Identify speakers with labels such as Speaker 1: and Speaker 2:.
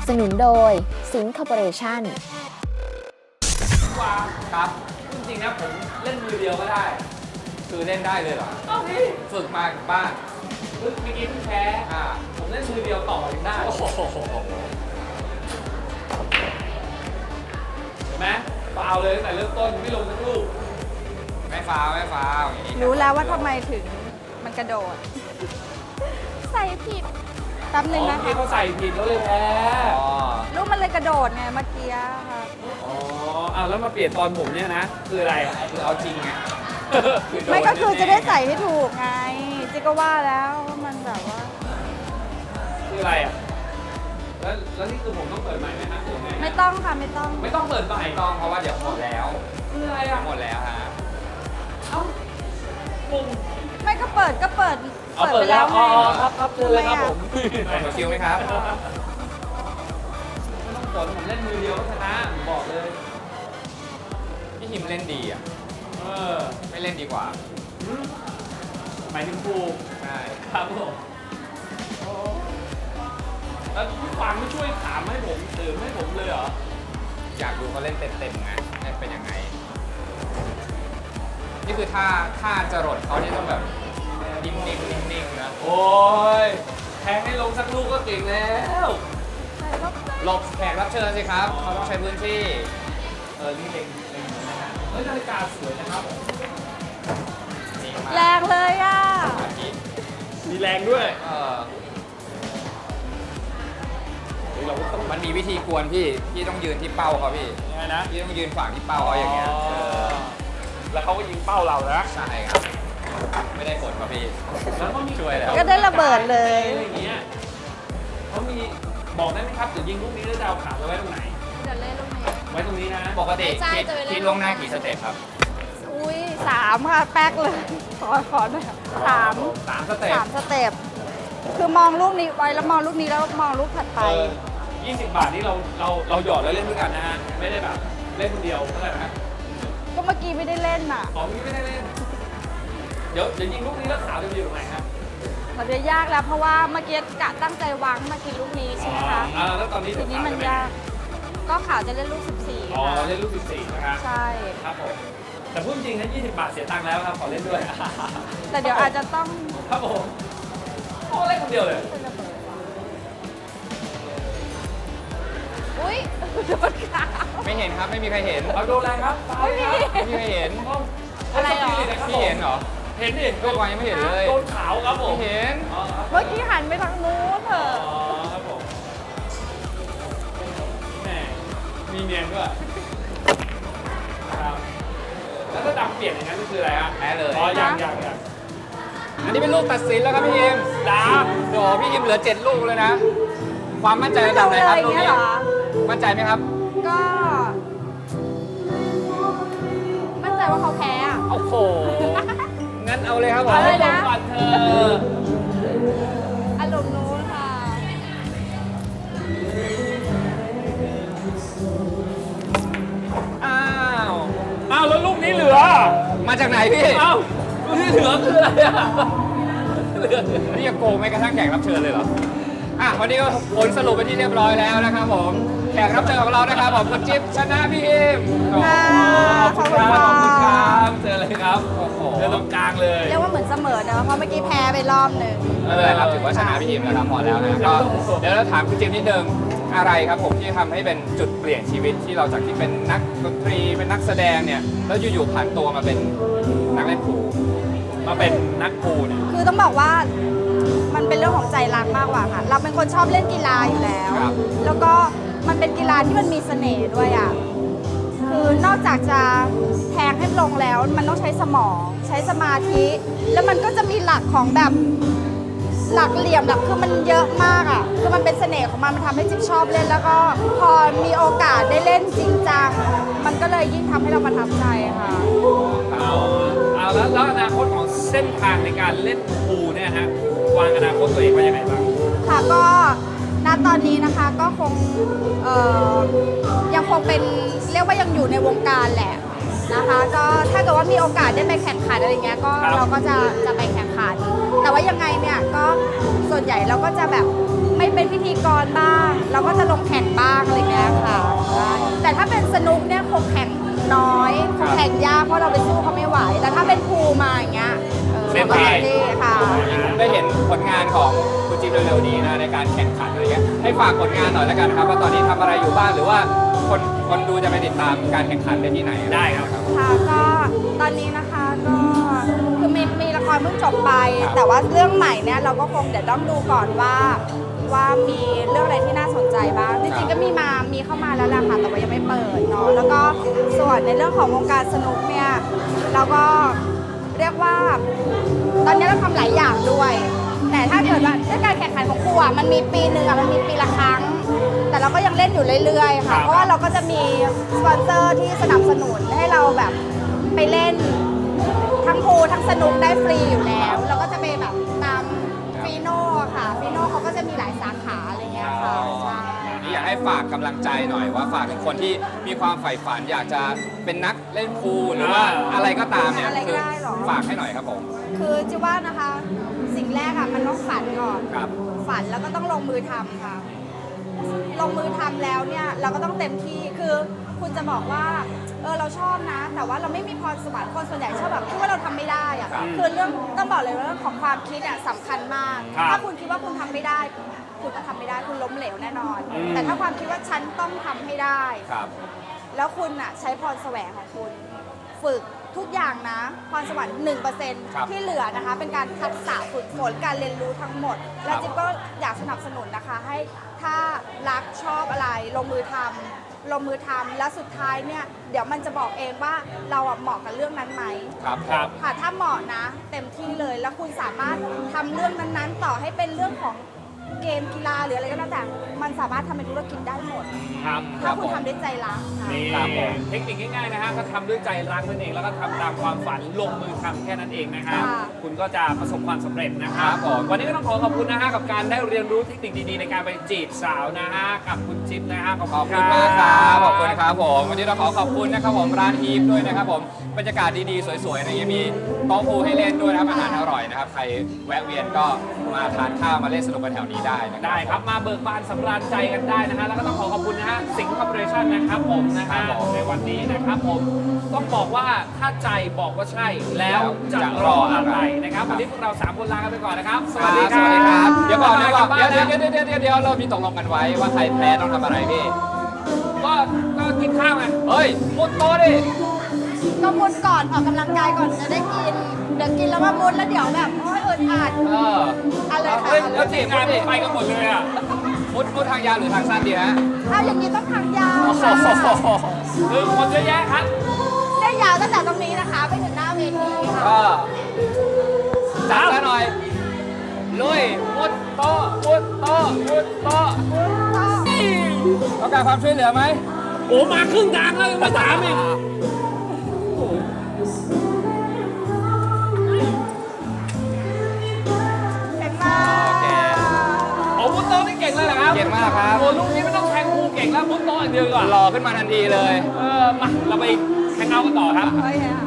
Speaker 1: สนุนโดยสิงห์คอร์ปอเรชั่น
Speaker 2: ว่าครับจริงๆนะผมเล่นมือเดียวก็ได้คือเล่นได้เลยเหรอฝึกมาจากบ้านเมื่อกี้เพิ่งแพ้ผมเล่นมือเดียวต่อยังได้โอ้โหเห็นไหมฟาวเลยตั้งแต่เริ่มต้นไม่ลงสักลูกไม่ฟาวอย่างนี้
Speaker 3: รู้แล้วว่าทำไมถึงมันกระโดด ใส่ผิดแป๊บนึงนะคะ
Speaker 2: ที่เขาใส่ผิดแล้วเลยแพ้
Speaker 3: ลูกมันเลยกระโดดไงเมื่อกี้ค่ะ
Speaker 2: อ๋อแล้วมาเปลี่ยนตอนผมเนี่ยนะคืออะไรคือเอาจริงไง
Speaker 3: ไม่ก็คือจะได้ใส่ให้ถูกไงจิก็ว่าแล้วว่ามันแบบว่า
Speaker 2: คืออะไรอ่ะแล้วนี่คือผมต้องเปิดใหม่ไหมฮะหรือไง
Speaker 3: ไม่ต้องค่ะไม่ต้อง
Speaker 2: เปิดใหม่ต้องเพราะว่าเดี๋ยวหมดแล้วคืออะไรอ่ะหมดแล้วฮะมุง
Speaker 3: ไม่ก็เปิด
Speaker 2: ไปแล้วอ๋อครับเจอเลยครับผมมาคิวไหมครับไม่ต้องสนผมเล่นมือเดียวชนะผมบอกเลยพี่หิมเล่นดีอ่ะไม่เล่นดีกว่าหมายถึงครูใช่ครับผมแล้วพี่ฟังไม่ช่วยถามให้ผมเติมให้ผมเลยเหรออยากดูเขาเล่นเต็มๆไงเป็นยังไงนี่คือถ้าจะรดเขาเนี่ยต้องแบบนิ่งๆนะโอ้ยแทงให้ลงสักลูกก็เก่งแล้วหลบแขกรับเชิญสิครับเขาต้องใช้พื้นที่นี่เล็งนะฮะนาฬิกาสวยนะครับ
Speaker 3: แรงเลยอ่ะ
Speaker 2: มีแรงด้วยมันมีวิธีกวนพี่ต้องยืนที่เป้าเขาพี่ยังไงนะพี่ต้องยืนขวางที่เป้าเขาอย่างเงี้ยแล้วเขาก็ยิงเป้าเรานะใช่ครับไม่ได้ผลครับพี่แล้วก็มีช่วยแล้ว
Speaker 3: ก็ได้ระเบิดเลย
Speaker 2: อะไรอย่างเงี้ยเขามีบอกได้ไหมครับจะยิงลูกนี้แล้วจะเอาขาไว้ตรงไหน
Speaker 3: จะเล่นลูกนี้
Speaker 2: ไว้ตรงนี้นะปกติคิดล่วงหน้ากี่สเต็ปครับ
Speaker 3: อุ้ย3ค่ะแป๊กเลยขอหน่อย3
Speaker 2: สเต็ป
Speaker 3: คือมองลูกนี้ไว้แล้วมองลูกนี้แล้วมองลูกถัดไป
Speaker 2: 20 บาทนี่เราหยอดแล้วเล่นด้วยกันนะฮะไม่ได้แบบเล่นคนเดียวเท่าไหร่นะ
Speaker 3: ก็เมื่อกี้ไม่ได้เล่นน่ะ
Speaker 2: ไม่ได้เล่นเดี๋ยวยิงลูกนี้แล้วขาจะอยู่ตรงไหนครับ
Speaker 3: มันจะยากแล้วเพราะว่าเมื่อกี้กะตั้งใจวางมากินลูกนี้ใช่ไหมคะ
Speaker 2: แล้วตอนนี้
Speaker 3: ทีนี้มันยากก็ขาวจะเล่นลูก14
Speaker 2: เล่นลูก14นะครับ
Speaker 3: ใช่
Speaker 2: ครับผมแต่พูดจริงนะ20 บาทเสียตังค์แล้วครับขอเล่นด้วย
Speaker 3: แต่เดี๋ยวอาจจะต้อง
Speaker 2: ครับผมเล่นคนเดียวเลย
Speaker 3: อุ้ยโดนขาว
Speaker 2: ไม่เห็นครับไม่มีใครเห็นโดนอะไรครับไม่มีใครเห็น
Speaker 3: อะไรหรอ
Speaker 2: พี่เห็นเหรอเห็นดิก็วางยังไม่เห็นเลยโดนขาวครับผมเห็น
Speaker 3: เมื่อกี้หันไปทางนู้นเถอะ
Speaker 2: ครับผมแหมมีเนียนด้วยครับแล้วถ้าดำเปลี่ยนอย่างนั้นคืออะไรฮะแพ้เลยยังอันนี้เป็นลูกตัดสินแล้วครับพี่ยิมโอ้พี่ยิมเหลือ7 ลูกเลยนะความมั่นใจระดับไหนครับลูกนี้มั่นใจไหมครับ
Speaker 3: ก็มั่นใจว่าเขาแพ้อ่ะ
Speaker 2: โอ้โหงั้นเอาเลยครับผม
Speaker 3: เอาเลยนะ
Speaker 2: ก่อนเธอ
Speaker 3: อารมณ์นู้นค่ะ
Speaker 2: อ้าวแล้วลูกนี้เหลือมาจากไหนพี่ลูกนี้เหลือคืออะไรอ่ะนี่จะโกงไม่กระทั่งแขกรับเชิญเลยเหรอวันนี้ก็ผลสรุปไปที่เรียบร้อยแล้วนะครับผมแขกรับเชิญของเรานะครับผมคุณจิ๊บชนะพี่อิม
Speaker 3: ขอบคุณ
Speaker 2: ครับเจอเลยครับเจอตรงกลางเลย
Speaker 3: เรียกว่าเหมือนเสมอเนอะเพราะเมื่อกี้แพ้ไปรอบหนึ่ง
Speaker 2: ไม่เป็นไรครับถือว่าชนะพี่อิมแล้วครับพอแล้วนะก็เดี๋ยวเราถามคุณจิ๊บนิดนึงอะไรครับผมที่ทำให้เป็นจุดเปลี่ยนชีวิตที่เราจากที่เป็นนักดนตรีเป็นนักแสดงเนี่ยแล้วอยู่ๆผ่านตัวมาเป็นนักเล่นพูลมาเป็นนักพูลเนี่ย
Speaker 3: คือต้องบอกว่ามันเป็นเรื่องของใจรักมากกว่าค่ะเราเป็นคนชอบเล่นกีฬาอยู่แล้วแล้วก็มันเป็นกีฬาที่มันมีเสน่ห์ด้วยอ่ะคือนอกจากจะแทงให้ลงแล้วมันต้องใช้สมองใช้สมาธิแล้วมันก็จะมีหลักของแบบหลักเหลี่ยมหลักคือมันเยอะมากอ่ะคือมันเป็นเสน่ห์ของมันทำให้จิ๊บชอบเล่นแล้วก็พอมีโอกาสได้เล่นจริงจังมันก็เลยยิ่งทำให้เราประทับใจค่ะ
Speaker 2: เอาแล้วอนาคตของเส้นทางในการเล่นพูลเนี่ยฮะวางอนาคตตัวเองไว้ยังไงบ้าง
Speaker 3: ค่ะก็ณตอนนี้นะคะก็คงยังคงเป็นเรียกว่ายังอยู่ในวงการแหละนะคะก็ถ้าเกิดว่ามีโอกาสได้ไปแข่งขันอะไรเงี้ยก็เราก็จะไปแข่งขันแต่ว่ายังไงเนี่ยก็ส่วนใหญ่เราก็จะแบบไม่เป็นพิธีกรบ้างเราก็จะลงแข่งบ้างอะไรเงี้ยค่ะใช่แต่ถ้าเป็นสนุกเนี่ยคงแข่งน้อยคงแข่งยากเพราะเราไปสู้เขาไม่ไหวแต่ถ้าเป็นพูลมาอย่างเงี้ย
Speaker 2: เล่น
Speaker 3: ก็
Speaker 2: ได้
Speaker 3: ดีค่ะ
Speaker 2: ได้เห็นผลงานของคุณจิ๊บเร็วๆนี้นะในการแข่งขันอะไรเงี้ยให้ฝากผลงานหน่อยแล้วกันครับว่าตอนนี้ทำอะไรอยู่บ้างหรือว่าคนดูจะไปติดตามการแข่งขันได้ที่ไหนได้ครับ
Speaker 3: ค่ะก็ตอนนี้นะคะก็คือมีละครเพิ่งจบไป แต่ว่าเรื่องใหม่เนี่ยเราก็คงเดี๋ยวต้องดูก่อนว่ามีเรื่องอะไรที่น่าสนใจบ้างจริงๆก็มีเข้ามาแล้วแหละค่ะแต่ว่ายังไม่เปิดเนาะแล้วก็ส่วนในเรื่องของวงการสนุกเนี่ยเราก็เรียกว่าตอนนี้เราทำหลายอย่างด้วย แต่ถ้าเกิดว่าเรื่องการแข่งขันของครูอ่ะมันมีปีหนึ่งอ่ะมันมีปีละครั้ง แต่เราก็ยังเล่นอยู่เรื่อยๆค่ะเพราะว่าเราก็จะมีสปอนเซอร์ที่สนับสนุนให้เราแบบไปเล่นทั้งพูลทั้งสนุกได้ฟรีอยู่แล้วเราก็จะไปแบบตามฟีโน่ค่ะฟีโน่เขาก็จะมีหลายสาขาอะไรเงี้ยค่ะใช่
Speaker 2: นี่อยากให้ฝากกำลังใจหน่อยว่าฝากถึงคนที่มีความใฝ่ฝันอยากจะเป็นนักเล่นพูลหรือว่าอะไรก็ตามเนี่ยคือฝากให้หน่อยครับผม
Speaker 3: คือจะว่านะคะสิ่งแรกอะมันต้องฝันก่อน
Speaker 2: ครับ
Speaker 3: ฝันแล้วก็ต้องลงมือทำค่ะ ลงมือทำแล้วเนี่ยเราก็ต้องเต็มที่คือคุณจะบอกว่าเราชอบนะ แต่ว่าเราไม่มีพรสวรรค์คนส่วนใหญ่ชอบแบบคิดว่าเราทำไม่ได้อะ
Speaker 2: ครับ
Speaker 3: คือเรื่องต้องบอกเลยว่าเรื่องของความคิดอะสำคัญมาก
Speaker 2: ครับ
Speaker 3: ถ้าคุณคิดว่าคุณทำไม่ได้ คุณก็ทำไม่ได้คุณล้มเหลวแน่นอน แต่ถ้าความคิดว่าฉันต้องทำให้ได้
Speaker 2: ครับ
Speaker 3: แล้วคุณอะใช้พรแสวงของคุณ ฝึกทุกอย่างนะพรสวรรค์
Speaker 2: ครับ
Speaker 3: 1%ที่เหลือนะคะ เป็นการทักษะฝึกฝนการเรียนรู้ทั้งหมด และจิ๊บก็อยากสนับสนุนนะคะ ให้ถ้ารักชอบอะไรลงมือทำแล้วสุดท้ายเนี่ยเดี๋ยวมันจะบอกเองว่าเราอะเหมาะกับเรื่องนั้นไหม
Speaker 2: ครับครับ
Speaker 3: ค่ะถ้าเหมาะนะ เต็มที่เลยแล้วคุณสามารถทำเรื่องนั้นๆ ต่อให้เป็นเรื่องของเกมกีฬาหรืออะไรก็แล้วแต่มันสามารถทำเป็นธุรกิจได้หมด
Speaker 4: ครับ
Speaker 3: ถ้าคุณทำด้วยใจรักค่ะ
Speaker 4: นี่
Speaker 2: ครับผม
Speaker 4: เทคนิคง่ายๆนะฮะก็ทำด้วยใจรักนั่นเองแล้วก็ทำตามความฝันลงมือทำแค่นั้นเองนะครับ
Speaker 3: ค่ะ
Speaker 4: คุณก็จะประสบความสำเร็จนะค
Speaker 2: ครั
Speaker 4: รับบ
Speaker 2: ผม
Speaker 4: วันนี้ก็ต้องขอบคุณนะฮะกับการได้เรียนรู้เทคนิคดีๆในการไปจีบสาวนะฮะกับคุณจิ๊บนะฮะขอบ
Speaker 2: ขอบ
Speaker 4: คุ
Speaker 2: คุณ
Speaker 4: ณ
Speaker 2: มากครับขอบคุณ
Speaker 4: ค
Speaker 2: ครับ รับผมวันนี้เราขอขอบคุณนะครับผมร้านอีฟด้วยนะครับผมบรรยากาศดีๆสวยๆนะยังมีโต๊ะพูลให้เล่นด้วยนะครับอาหารอร่อยนะครับใครแวะเวียนก็มาทานข้าวมาเล่นสนุกกันแถวนี้ได้นะครับ
Speaker 4: ได้ครับมาเบิกบานสำราญใจกันได้นะฮะแล้วก็ต้องขอบคุณนะฮะสิงห์คอร์ปอเรชั่นนะครับผมนะฮะ
Speaker 2: ครับผม
Speaker 4: ในวันนี้นะครับผมต้องบอกว่าถ้าใจบอกว่าใช่แล้วจะรออะไรนะครับวันนี้พวกเรา3คนลากันไปก่อนนะครับสวัสดีครับ
Speaker 2: สวัสดีครับ เดี๋ยวก่อนเดี๋ยวก่อน
Speaker 4: กลับ
Speaker 2: เดี๋ยว
Speaker 4: บ้านนะ
Speaker 2: เดี๋ยวเรามีตกลงกันไว้ว่าใครแพ้ต้องทำอะไรพี่
Speaker 4: ก็กินข้าวไง
Speaker 2: เฮ้ยมุดโต๊ะดิ
Speaker 3: ก็มุดก่อนออกกำลังกายก่อนจะได้กิน เดี๋ยวกินแล้วก็มุดแล้วเดี๋ยวแบบโอ้ยอึดอัด
Speaker 2: เออ
Speaker 3: อะไรค่ะ
Speaker 2: เฮ้ยแล้วจีบ
Speaker 4: งาน
Speaker 2: ดิ
Speaker 4: ไปกันหมดเลยอ่ะ
Speaker 2: มุดทางยาวหรือทางสั้นดีฮะ
Speaker 3: เอาอย่างนี้ต้องทางยาว
Speaker 2: โอ้โห
Speaker 3: ค่ะ
Speaker 4: คือคนเยอะแยะครับ
Speaker 3: ได้ยาวตั้งแต่ตรงนี้นะคะไปถึงหน้าเวทีค่ะ
Speaker 2: ก็จัดซะหน่อย ลุย มุดโต๊ะมุดโต๊ะมุดโต๊ะต้องการความช่วยเหลือไหม
Speaker 4: โอ้มาครึ่งทางแล้วยังมาถามอีก
Speaker 3: เก่งมาก
Speaker 2: โอเค
Speaker 4: โอ้มุดโต๊ะนี่เก่งเลยเหรอครับ
Speaker 2: เก่งมากครับ
Speaker 4: โอ้ลูกนี้ไม่ต้องแทงครูเก่งแล้วมุดโต๊ะอย่างเดียวดีกว่อน
Speaker 2: หล่อขึ้นมาทันทีเลย
Speaker 4: มาเราไปแฮงเอาท์กันต่อครับ
Speaker 3: โอเคค่ะ